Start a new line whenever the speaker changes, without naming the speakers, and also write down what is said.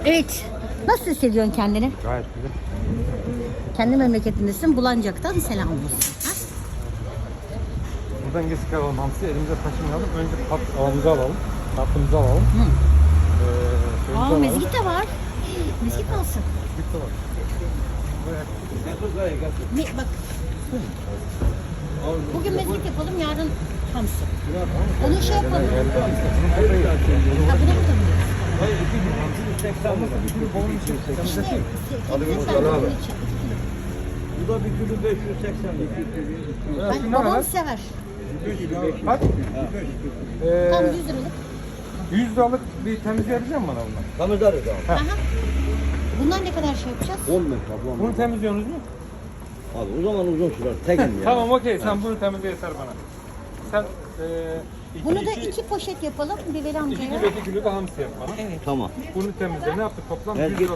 Evet. Nasıl hissediyorsun kendini?
Gayet güzel.
Kendi memleketindesin. Bulancak'tan selam olsun. Ha?
Buradan geçik alalım hamsi, elimize taşımayalım. Önce avımızı alalım, tatlımızı alalım.
Aa,
Alalım.
mezgit de var. Mezgit olsun.
Bitti var.
Bak. Bugün mezgit yapalım, yarın hamsi. Onu şey yapalım. Ha, buna mı tanıyoruz? İşte,
Bu da bir kilo 580 lira.
ben, babam sever.
Kaç?
Tam 100 liralık.
100 liralık bir temizleyebilecek misin bana bundan?
Tamızlarız abi.
Aha. Bunlar ne kadar şey yapacağız?
10 metre ablam.
Bunu temizliyorsunuz mu?
Abi o zaman uzun sürer. Tekim ya.
Tamam okey, sen bunu temizle yeter bana. Sen
Bunu da 2 poşet yapalım. Bir veri amcaya ver.
2 kilo da hamsi yap bana.
Evet.
Tamam.
Bunu temizle. Ne yaptık toplam? 100
Herkes
lira.